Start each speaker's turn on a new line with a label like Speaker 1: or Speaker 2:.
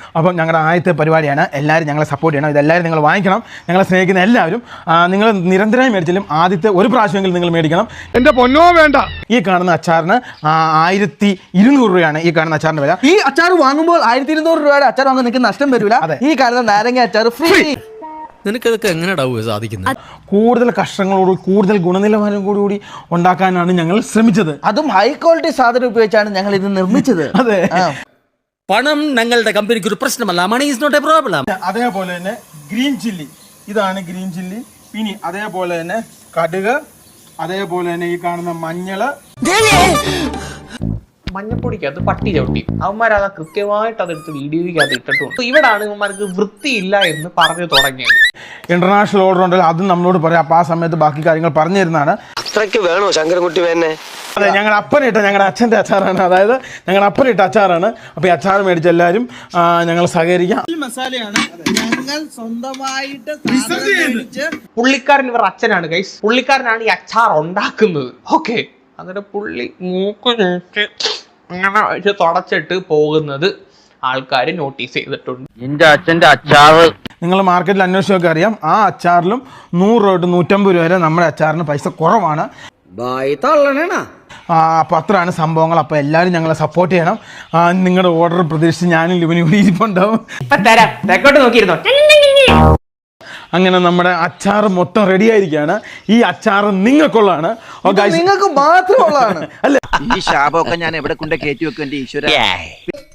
Speaker 1: അപ്പം ഞങ്ങളുടെ ആദ്യത്തെ പരിപാടിയാണ്. എല്ലാവരും ഞങ്ങളെ സപ്പോർട്ട് ചെയ്യണം. ഇതെല്ലാവരും നിങ്ങൾ വാങ്ങിക്കണം. ഞങ്ങളെ സ്നേഹിക്കുന്ന എല്ലാവരും നിങ്ങൾ നിരന്തരമായി മേടിച്ചാലും ആദ്യത്തെ ഒരു പ്രാവശ്യമെങ്കിലും നിങ്ങൾ മേടിക്കണം.
Speaker 2: എൻ്റെ പൊന്നോ വേണ്ട.
Speaker 1: ഈ കാണുന്ന അച്ചാറിന് 1200 രൂപയാണ് ഈ കാണുന്ന അച്ചാറിൻ്റെ വില.
Speaker 3: ഈ അച്ചാർ വാങ്ങുമ്പോൾ 1200 രൂപയുടെ അച്ചാർ വാങ്ങാൻ നിങ്ങൾക്ക് നഷ്ടം വരില്ല. ഈ കാണുന്ന നാരങ്ങ അച്ചാർ ഫ്രീ.
Speaker 4: നിനക്കതൊക്കെ എങ്ങനെ സാധിക്കുന്നത്?
Speaker 1: കൂടുതൽ കഷ്ണങ്ങളോട് കൂടുതൽ ഗുണനിലവാരം കൂടി ഉണ്ടാക്കാനാണ് ഞങ്ങൾ ശ്രമിച്ചത്.
Speaker 3: അതും ഹൈ ക്വാളിറ്റി സാധനം ഉപയോഗിച്ചാണ് ഞങ്ങൾ ഇത് നിർമ്മിച്ചത്.
Speaker 1: അതെ,
Speaker 4: പണം ഞങ്ങളുടെ കമ്പനിക്ക് ഒരു പ്രശ്നമല്ല. Money is not a problem.
Speaker 1: അതേപോലെ തന്നെ ഗ്രീൻ ചില്ലി, ഇതാണ് ഗ്രീൻ ചില്ലി. പിന്നെ അതേപോലെ തന്നെ കടുക്, അതേപോലെ തന്നെ ഈ കാണുന്ന മഞ്ഞള്.
Speaker 5: മഞ്ഞപ്പൊടിക്കകത്ത് പട്ടി ചവിട്ടി അവന്മാരത് കൃത്യമായിട്ട് അതെടുത്ത് വീഡിയോയ്ക്കകത്ത് ഇട്ടിട്ടുണ്ട്. ഇവിടാണ് ഇവന്മാർക്ക് വൃത്തിയില്ല എന്ന് പറഞ്ഞു തുടങ്ങിയത്.
Speaker 1: ഇന്റർനാഷണൽ ഓർഡർ ഉണ്ടല്ലോ, അതും നമ്മളോട് പറയാം. അപ്പോൾ ആ സമയത്ത് ബാക്കി കാര്യങ്ങൾ പറഞ്ഞു തരുന്നതാണ്.
Speaker 6: അത്രയ്ക്ക് വേണോ ശങ്കരൻകുട്ടി വേനെ?
Speaker 1: അതെ, ഞങ്ങളുടെ അപ്പനിട്ട ഞങ്ങളുടെ അച്ഛൻ്റെ അച്ചാറാണ്. അതായത് ഞങ്ങളുടെ അപ്പനിട്ട അച്ചാറാണ്. അപ്പോൾ ഈ അച്ചാർ മേടിച്ച എല്ലാവരും ഞങ്ങൾ സഹകരിക്കാം.
Speaker 3: മസാലയാണ് ഞങ്ങൾ സ്വന്തമായിട്ട്
Speaker 5: പുള്ളിക്കാരൻ ഇവർ അച്ഛനാണ് ഗൈസ്. പുള്ളിക്കാരനാണ് ഈ അച്ചാർ ഉണ്ടാക്കുന്നത്. ഓക്കെ, എന്നിട്ട് പുള്ളി മൂക്ക് നോക്കി അങ്ങനെ വെച്ച് തുടച്ചിട്ട് പോകുന്നത് ആൾക്കാർ നോട്ടീസ് ചെയ്തിട്ടുണ്ട്.
Speaker 6: എന്റെ അച്ഛന്റെ അച്ചാറ്
Speaker 1: നിങ്ങൾ മാർക്കറ്റിൽ അന്വേഷിച്ചൊക്കെ അറിയാം. ആ അച്ചാറിലും 100 രൂപ തൊട്ട് 150 രൂപ വരെ നമ്മുടെ അച്ചാറിന് പൈസ കുറവാണ്. അപ്പോൾ അത്രയാണ് സംഭവങ്ങൾ. അപ്പോൾ എല്ലാവരും ഞങ്ങളെ സപ്പോർട്ട് ചെയ്യണം. നിങ്ങളുടെ ഓർഡർ പ്രതീക്ഷിച്ച് ഞാനും ലിബിനും കൂടി ഇരിപ്പുണ്ടാവും.
Speaker 5: നോക്കിയിരുന്നോ?
Speaker 1: അങ്ങനെ നമ്മുടെ അച്ചാർ മൊത്തം റെഡി ആയിരിക്കുകയാണ്. ഈ അച്ചാർ നിങ്ങൾക്കുള്ളതാണ്.
Speaker 3: നിങ്ങൾക്ക് മാത്രമുള്ളതാണ്.
Speaker 1: അല്ല,
Speaker 6: ഈ ശാപമൊക്കെ ഞാൻ എവിടെ കൊണ്ട് കയറ്റി വെക്കും എന്റെ ഈശ്വര.